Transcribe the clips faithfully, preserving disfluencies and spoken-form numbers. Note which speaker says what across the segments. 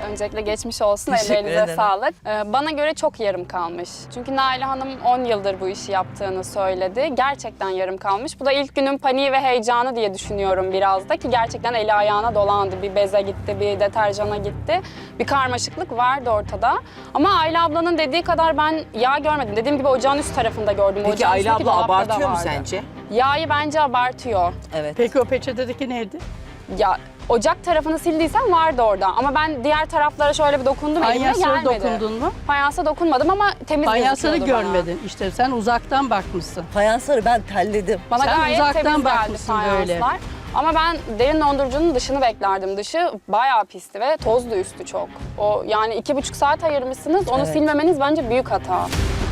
Speaker 1: Öncelikle geçmiş olsun,
Speaker 2: Teşekkür
Speaker 1: ellerinize
Speaker 2: ederim.
Speaker 1: sağlık. Ee, bana göre çok yarım kalmış. Çünkü Naile Hanım on yıldır bu işi yaptığını söyledi. Gerçekten yarım kalmış. Bu da ilk günün paniği ve heyecanı diye düşünüyorum biraz da ki gerçekten eli ayağına dolandı. Bir beze gitti, bir deterjana gitti. Bir karmaşıklık vardı ortada. Ama Ayla ablanın dediği kadar ben yağ görmedim. Dediğim gibi ocağın üst tarafında gördüm.
Speaker 3: Peki
Speaker 1: Ocağın
Speaker 3: Ayla
Speaker 1: üstteki
Speaker 3: abla
Speaker 1: dolapta da
Speaker 3: abartıyor mu
Speaker 1: vardı.
Speaker 3: sence?
Speaker 1: Yağı bence abartıyor.
Speaker 2: Evet.
Speaker 4: Peki o peçetedeki neydi?
Speaker 1: Ya ocak tarafını sildiysen vardı orada ama ben diğer taraflara şöyle bir dokundum elimle
Speaker 4: Fayanslara
Speaker 1: gelmedi.
Speaker 4: dokundun mu?
Speaker 1: Fayansa dokunmadım ama temiz
Speaker 4: Fayansları
Speaker 1: gözüküyordu bana.
Speaker 4: görmedin. İşte sen uzaktan bakmışsın.
Speaker 2: Fayansları ben telledim.
Speaker 1: Bana
Speaker 4: Sen
Speaker 1: gayet
Speaker 4: uzaktan
Speaker 1: temiz geldi
Speaker 4: bakmışsın böyle.
Speaker 1: fayanslar. Ama ben derin dondurucunun dışını beklerdim. Dışı bayağı pisti ve tozlu üstü çok. O yani iki buçuk saat ayırmışsınız. Onu
Speaker 2: Evet.
Speaker 1: silmemeniz bence büyük hata.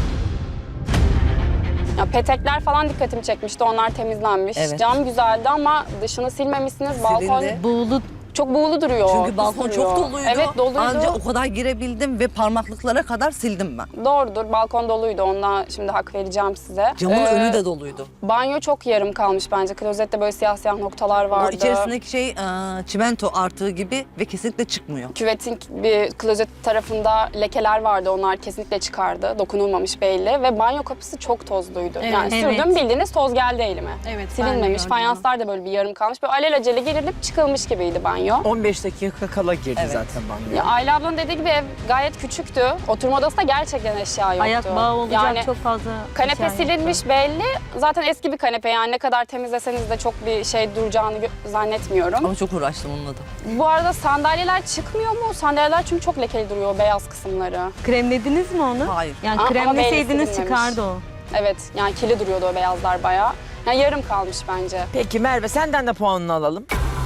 Speaker 1: Ya petekler falan dikkatimi çekmişti. Onlar temizlenmiş.
Speaker 2: Evet.
Speaker 1: Cam güzeldi ama dışını silmemişsiniz. Balkon
Speaker 2: Silindi.
Speaker 4: Buğulu
Speaker 1: çok buğulu duruyor.
Speaker 2: Çünkü
Speaker 1: pis
Speaker 2: balkon
Speaker 1: duruyor.
Speaker 2: çok doluydu.
Speaker 1: Evet doluydu.
Speaker 2: Anca o kadar girebildim ve parmaklıklara kadar sildim ben.
Speaker 1: Doğrudur. Balkon doluydu. Ondan şimdi hak vereceğim size.
Speaker 2: Camın
Speaker 1: Ee,
Speaker 2: önü de doluydu.
Speaker 1: Banyo çok yarım kalmış bence. Klozette böyle siyah siyah noktalar vardı.
Speaker 2: O içerisindeki şey e, çimento artığı gibi ve kesinlikle çıkmıyor.
Speaker 1: Küvetin bir klozet tarafında lekeler vardı. Onlar kesinlikle çıkardı. Dokunulmamış belli. Ve banyo kapısı çok tozluydu.
Speaker 4: Evet.
Speaker 1: Yani sürdüm
Speaker 4: Evet.
Speaker 1: bildiğiniz toz geldi elime.
Speaker 4: Evet, ben de
Speaker 1: Silinmemiş.
Speaker 4: gördüm
Speaker 1: Fayanslar da böyle bir yarım kalmış. Böyle alelacele girilip çıkılmış gibiydi banyo.
Speaker 3: on beş dakika kala girdi
Speaker 2: Evet.
Speaker 3: zaten banyoya.
Speaker 1: Ya Ayla ablanın dediği gibi ev gayet küçüktü. Oturma odasında gerçekten eşya yoktu.
Speaker 5: Ayak bağı olacak
Speaker 1: Yani
Speaker 5: çok fazla
Speaker 1: kanepe
Speaker 5: eşya
Speaker 1: silinmiş
Speaker 5: yoktu.
Speaker 1: belli. Zaten eski bir kanepe yani ne kadar temizleseniz de çok bir şey duracağını gö- zannetmiyorum.
Speaker 2: Ama çok uğraştım onunla da.
Speaker 1: Bu arada sandalyeler çıkmıyor mu? Sandalyeler çünkü çok lekeli duruyor o beyaz kısımları.
Speaker 5: Kremlediniz mi onu?
Speaker 2: Hayır.
Speaker 5: Yani
Speaker 1: Aa, ama belli
Speaker 5: kremleseydiniz
Speaker 1: silinmemiş.
Speaker 5: çıkardı o.
Speaker 1: Evet yani kili duruyordu o beyazlar bayağı. Yani yarım kalmış bence.
Speaker 3: Peki Merve senden de puanını alalım.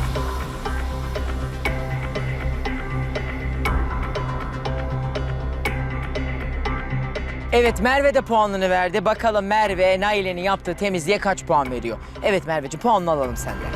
Speaker 3: Evet Merve de puanını verdi. Bakalım Merve Naile'nin yaptığı temizliğe kaç puan veriyor? Evet Merveciğim puanını alalım senden.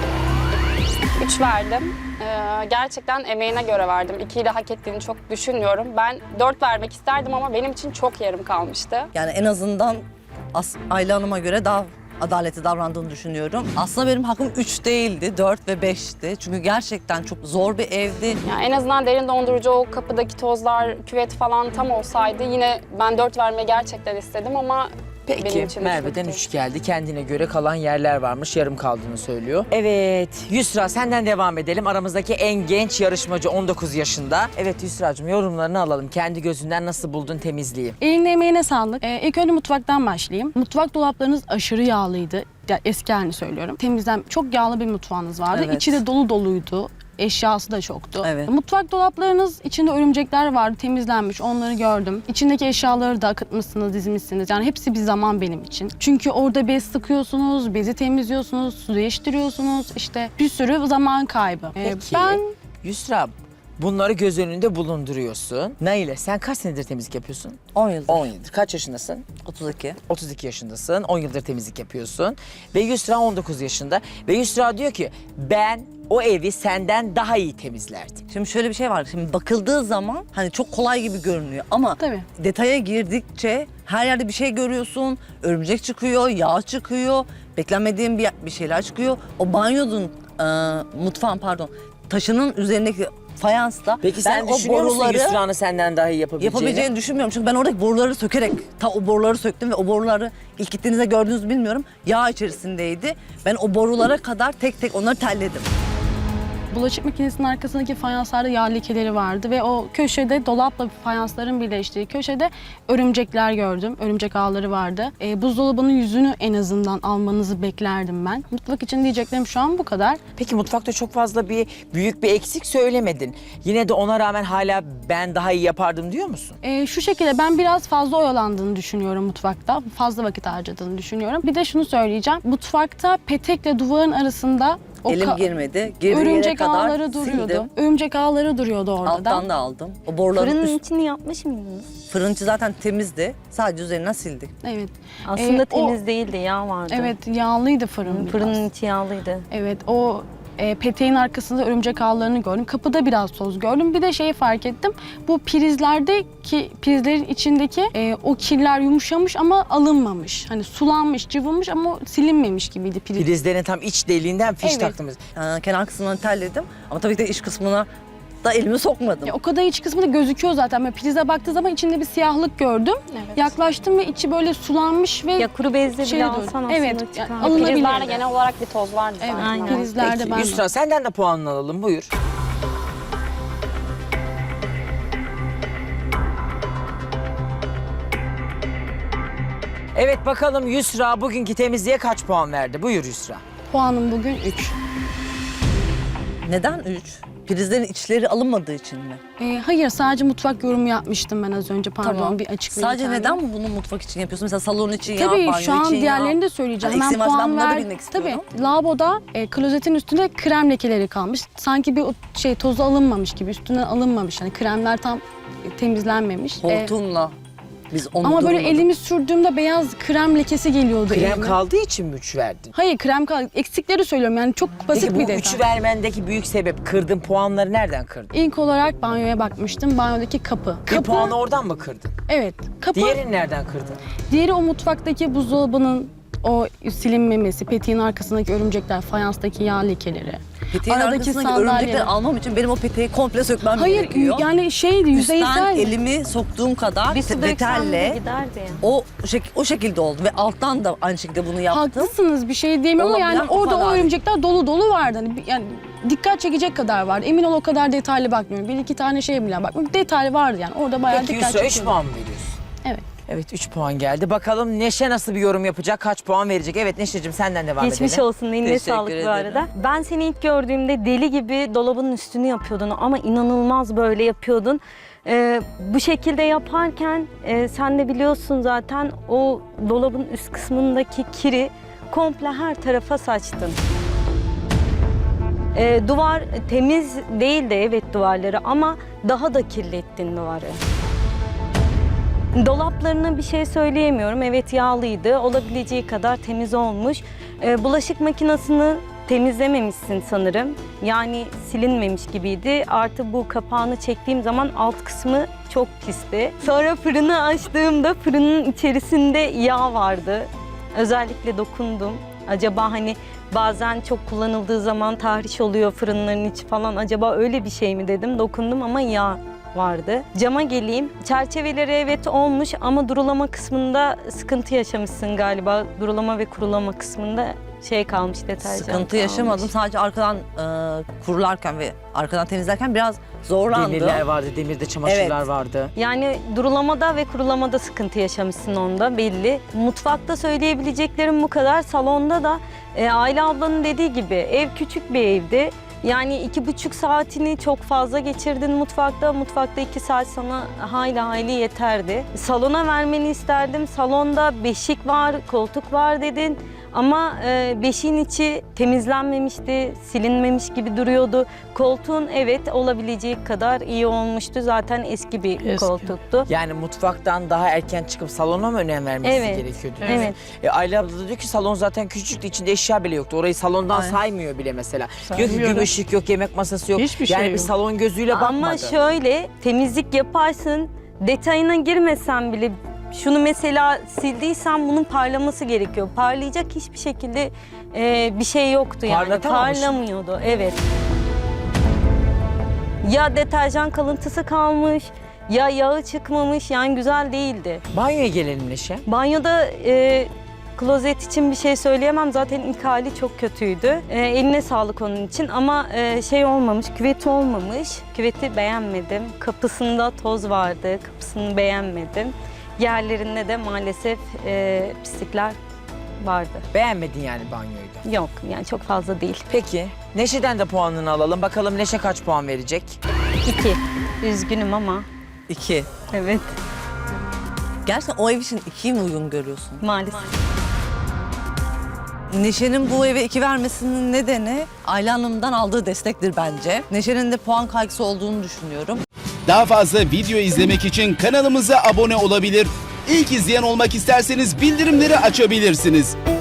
Speaker 1: Üç verdim. Ee, gerçekten emeğine göre verdim. İkiyi de hak ettiğini çok düşünmüyorum. Ben dört vermek isterdim ama benim için çok yarım kalmıştı.
Speaker 2: Yani en azından As Ayla Hanım'a göre daha adaletli davrandığını düşünüyorum. Aslında benim hakkım üç değildi, dört ve beşti. Çünkü gerçekten çok zor bir evdi.
Speaker 1: Yani en azından derin dondurucu o kapıdaki tozlar, küvet falan tam olsaydı yine ben dört vermeyi gerçekten istedim ama benim
Speaker 3: Peki
Speaker 1: için
Speaker 3: Merve'den
Speaker 1: üçlüktü.
Speaker 3: üç geldi. Kendine göre kalan yerler varmış. Yarım kaldığını söylüyor. Evet Yusra senden devam edelim. Aramızdaki en genç yarışmacı on dokuz yaşında. Evet Yusra'cığım yorumlarını alalım. Kendi gözünden nasıl buldun temizliği?
Speaker 6: Eline emeğine sağlık. Ee, ilk önce mutfaktan başlayayım. Mutfak dolaplarınız aşırı yağlıydı. Ya, eski halini söylüyorum. Temizlen çok yağlı bir mutfağınız vardı.
Speaker 2: Evet.
Speaker 6: İçi de dolu doluydu. Eşyası da çoktu.
Speaker 2: Evet.
Speaker 6: Mutfak dolaplarınız içinde örümcekler vardı, temizlenmiş. Onları gördüm. İçindeki eşyaları da akıtmışsınız, dizmişsiniz. Yani hepsi bir zaman benim için. Çünkü orada bez sıkıyorsunuz, bezi temizliyorsunuz, su değiştiriyorsunuz. İşte bir sürü zaman kaybı. Ee,
Speaker 3: Peki
Speaker 6: ben
Speaker 3: Yusra bunları göz önünde bulunduruyorsun. Naile sen kaç senedir temizlik yapıyorsun?
Speaker 2: on yıldır.
Speaker 3: on yıldır. Kaç yaşındasın?
Speaker 2: otuz iki.
Speaker 3: otuz iki yaşındasın. on yıldır temizlik yapıyorsun. Ve Yusra on dokuz yaşında. Ve Yusra diyor ki ben o evi senden daha iyi temizlerdim.
Speaker 2: Şimdi şöyle bir şey var. Şimdi bakıldığı zaman hani çok kolay gibi görünüyor ama
Speaker 6: Tabii.
Speaker 2: detaya girdikçe her yerde bir şey görüyorsun. Örümcek çıkıyor, yağ çıkıyor, beklenmediğin bir, bir şeyler çıkıyor. O banyonun, e, mutfağın pardon, taşının üzerindeki fayansta
Speaker 3: Peki sen düşünüyor musun Yusra'nın senden daha iyi yapabileceğini?
Speaker 2: yapabileceğini düşünmüyorum. Çünkü ben oradaki boruları sökerek ta o boruları söktüm ve o boruları ilk gittiğinizde gördünüz mü bilmiyorum. Yağ içerisindeydi. Ben o borulara kadar tek tek onları telledim.
Speaker 6: bulaşık makinesinin arkasındaki fayanslarda yağ lekeleri vardı ve o köşede dolapla fayansların birleştiği köşede örümcekler gördüm. Örümcek ağları vardı. E, buzdolabının yüzünü en azından almanızı beklerdim ben. Mutfak için diyeceklerim şu an bu kadar.
Speaker 3: Peki mutfakta çok fazla bir büyük bir eksik söylemedin. Yine de ona rağmen hala ben daha iyi yapardım diyor musun?
Speaker 6: E, şu şekilde ben biraz fazla oyalandığını düşünüyorum mutfakta. Fazla vakit harcadığını düşünüyorum. Bir de şunu söyleyeceğim. Mutfakta petekle duvarın arasında o
Speaker 2: Elim
Speaker 6: ka-
Speaker 2: girmedi. Girdiği yere
Speaker 6: örümcek
Speaker 2: kadar
Speaker 6: ağları duruyordu.
Speaker 2: sildim.
Speaker 6: Örümcek ağları duruyordu orada
Speaker 2: Alttan
Speaker 6: da.
Speaker 2: da aldım. O boruların
Speaker 5: Fırının
Speaker 2: üst...
Speaker 5: içini yapmış mıydınız?
Speaker 2: Fırıncı zaten temizdi. Sadece üzerinden sildik.
Speaker 6: Evet.
Speaker 5: Aslında
Speaker 6: Ee, o-
Speaker 5: temiz değildi, yağ vardı.
Speaker 6: Evet, yağlıydı fırın biraz.
Speaker 5: Fırının içi yağlıydı.
Speaker 6: Evet, o e, peteğin arkasında örümcek ağlarını gördüm. Kapıda biraz toz gördüm. Bir de şeyi fark ettim. Bu prizlerdeki, prizlerin içindeki e, o kirler yumuşamış ama alınmamış. Hani sulanmış, cıvınmış ama silinmemiş gibiydi priz.
Speaker 3: Prizlerin tam iç deliğinden fiş
Speaker 6: Evet.
Speaker 3: taktınız.
Speaker 2: Ee, kenar kısmını telledim. Ama tabii ki de iç kısmına da elimi sokmadım.
Speaker 6: Ya, o kadar iç kısmı da gözüküyor zaten. Böyle prize baktığı zaman içinde bir siyahlık gördüm.
Speaker 1: Evet.
Speaker 6: Yaklaştım ve içi böyle sulanmış ve
Speaker 5: Ya kuru bezle
Speaker 6: Şey
Speaker 5: bile
Speaker 6: diyorum,
Speaker 5: alsan aslında
Speaker 6: evet,
Speaker 5: çıkar.
Speaker 6: yani alınabilir.
Speaker 1: Prizlerde genel olarak bir toz vardı
Speaker 6: Evet,
Speaker 1: zaten.
Speaker 5: aynen.
Speaker 1: ama.
Speaker 6: prizlerde
Speaker 3: Peki
Speaker 6: ben de.
Speaker 3: Yusra senden de puanını alalım buyur. Evet bakalım Yusra bugünkü temizliğe kaç puan verdi? Buyur Yusra.
Speaker 6: Puanım bugün üç.
Speaker 2: Neden üç? Prizlerin içleri alınmadığı için mi?
Speaker 6: Ee, hayır, sadece mutfak yorumu yapmıştım ben az önce. Pardon, bir açıklayayım.
Speaker 2: Sadece
Speaker 6: kendime.
Speaker 2: neden bunu mutfak için yapıyorsun? Mesela salon için ya,
Speaker 6: Tabii
Speaker 2: banyo
Speaker 6: şu an
Speaker 2: için ya.
Speaker 6: diğerlerini de söyleyeceğim.
Speaker 2: Hani
Speaker 6: Hemen
Speaker 2: eksiğim varsa ben
Speaker 6: puan
Speaker 2: bunları da
Speaker 6: ver.
Speaker 2: bilmek istiyorum.
Speaker 6: Tabii lavaboda e, klozetin üstünde krem lekeleri kalmış. Sanki bir o şey tozu alınmamış gibi, üstünden alınmamış. Hani kremler tam e, temizlenmemiş. E,
Speaker 2: Hortumla. Biz onu
Speaker 6: ama böyle
Speaker 2: durmadık.
Speaker 6: elimi sürdüğümde beyaz krem lekesi geliyordu
Speaker 3: Krem
Speaker 6: elime.
Speaker 3: kaldığı için mi üç verdin?
Speaker 6: Hayır, krem kaldı. Eksikleri söylüyorum yani, çok basit
Speaker 3: Peki bu
Speaker 6: bir detay.
Speaker 3: üçü vermendeki büyük sebep kırdın puanları nereden kırdın?
Speaker 6: İlk olarak banyoya bakmıştım. Banyodaki kapı.
Speaker 3: Bir
Speaker 6: Kapı,
Speaker 3: puanı oradan mı kırdın?
Speaker 6: evet. Kapı.
Speaker 3: Diğerini nereden kırdın?
Speaker 6: Diğeri o mutfaktaki buzdolabının o silinmemesi, petiğin arkasındaki örümcekler, fayanstaki yağ lekeleri.
Speaker 2: Peteğin
Speaker 6: aradaki
Speaker 2: arkasındaki
Speaker 6: sandalye.
Speaker 2: örümcekleri almam için benim o peteği komple sökmem
Speaker 6: Hayır,
Speaker 2: gerekiyor.
Speaker 6: yani şeydi,
Speaker 2: Üstten
Speaker 6: yüzeysel.
Speaker 2: elimi soktuğum kadar
Speaker 5: Bir su döksem de
Speaker 2: detelle
Speaker 5: giderdi.
Speaker 2: o, şek o şekilde oldu ve alttan da aynı şekilde bunu yaptım.
Speaker 6: Haklısınız, bir şey diyemiyorum ama yani
Speaker 2: Olabilen o
Speaker 6: orada o
Speaker 2: kadar.
Speaker 6: örümcekler dolu dolu vardı. Hani bir- yani dikkat çekecek kadar vardı. Emin ol o kadar detaylı bakmıyorum. Bir iki tane şey bile bakmıyorum. Detaylı vardı yani. Orada bayağı
Speaker 3: Peki
Speaker 6: dikkat
Speaker 3: Yusra üç
Speaker 6: çekiyordu.
Speaker 3: puan mı veriyorsun?
Speaker 6: Evet.
Speaker 3: Evet üç puan geldi. Bakalım Neşe nasıl bir yorum yapacak? Kaç puan verecek? Evet Neşe'cim senden devam
Speaker 5: Geçmiş
Speaker 3: edelim.
Speaker 5: olsun, eline
Speaker 2: Teşekkür
Speaker 5: sağlık bu
Speaker 2: ederim.
Speaker 5: arada. Ben seni ilk gördüğümde deli gibi dolabın üstünü yapıyordun ama inanılmaz böyle yapıyordun. Ee, bu şekilde yaparken e, sen de biliyorsun zaten o dolabın üst kısmındaki kiri komple her tarafa saçtın. Ee, duvar temiz değildi evet duvarları ama daha da kirlettin duvarı. Dolaplarına bir şey söyleyemiyorum. Evet yağlıydı. Olabileceği kadar temiz olmuş. Ee, bulaşık makinesini temizlememişsin sanırım. Yani silinmemiş gibiydi. Artı bu kapağını çektiğim zaman alt kısmı çok pisti. Sonra fırını açtığımda fırının içerisinde yağ vardı. Özellikle dokundum. Acaba hani bazen çok kullanıldığı zaman tahriş oluyor fırınların içi falan. Acaba öyle bir şey mi dedim. Dokundum ama yağ vardı. Cama geleyim. Çerçeveleri evet olmuş ama durulama kısmında sıkıntı yaşamışsın galiba. Durulama ve kurulama kısmında şey kalmış, deterjan
Speaker 2: Sıkıntı
Speaker 5: kalmış.
Speaker 2: yaşamadım. Sadece arkadan e, kurularken ve arkadan temizlerken biraz zorlandım.
Speaker 3: Demirler vardı, demirde çamaşırlar
Speaker 2: Evet.
Speaker 3: vardı.
Speaker 5: Yani durulamada ve kurulamada sıkıntı yaşamışsın onda belli. Mutfakta söyleyebileceklerim bu kadar. Salonda da e, Ayla ablanın dediği gibi ev küçük bir evdi. Yani iki buçuk saatini çok fazla geçirdin mutfakta. Mutfakta iki saat sana hayli hayli yeterdi. Salona vermeni isterdim. Salonda beşik var, koltuk var dedin. Ama e, beşiğin içi temizlenmemişti, silinmemiş gibi duruyordu. Koltuğun evet olabileceği kadar iyi olmuştu. Zaten eski bir
Speaker 4: Eski.
Speaker 5: koltuktu.
Speaker 3: Yani mutfaktan daha erken çıkıp salona mı önem vermesi
Speaker 5: Evet.
Speaker 3: gerekiyordu?
Speaker 5: Evet.
Speaker 3: E, Ayla abla da diyor ki salon zaten küçüktü, içinde eşya bile yoktu. Orayı salondan
Speaker 2: Aynen.
Speaker 3: saymıyor bile mesela. Diyor ki
Speaker 4: Saymıyor
Speaker 3: güm
Speaker 4: da.
Speaker 3: ışık yok, yemek masası yok.
Speaker 4: Hiçbir şey
Speaker 3: yani bir
Speaker 4: yok.
Speaker 3: salon gözüyle bakmadı.
Speaker 5: Ama şöyle temizlik yaparsın, detayına girmesen bile şunu mesela sildiysen bunun parlaması gerekiyor. Parlayacak hiçbir şekilde e, bir şey yoktu yani.
Speaker 3: Parlatamamış mı?
Speaker 5: Parlamıyordu. Evet. Ya deterjan kalıntısı kalmış, ya yağı çıkmamış yani güzel değildi.
Speaker 3: Banyoya gelelim Neşe.
Speaker 5: Banyoda e, klozet için bir şey söyleyemem. Zaten ilk hali çok kötüydü. E, eline sağlık onun için ama e, şey olmamış, küveti olmamış. Küveti beğenmedim. Kapısında toz vardı, kapısını beğenmedim. Yerlerinde de maalesef e, pislikler vardı.
Speaker 3: Beğenmedin yani banyoyu da.
Speaker 5: Yok yani çok fazla değil.
Speaker 3: Peki Neşe'den de puanını alalım. Bakalım Neşe kaç puan verecek?
Speaker 5: İki. Üzgünüm ama
Speaker 2: İki.
Speaker 5: evet
Speaker 2: Gerçekten o ev için ikiyi mi uygun görüyorsun?
Speaker 5: maalesef.
Speaker 2: Neşe'nin bu eve iki vermesinin nedeni Ayla Hanım'dan aldığı destektir bence. Neşe'nin de puan kaygısı olduğunu düşünüyorum.
Speaker 7: Daha fazla video izlemek için kanalımıza abone olabilir. İlk izleyen olmak isterseniz bildirimleri açabilirsiniz.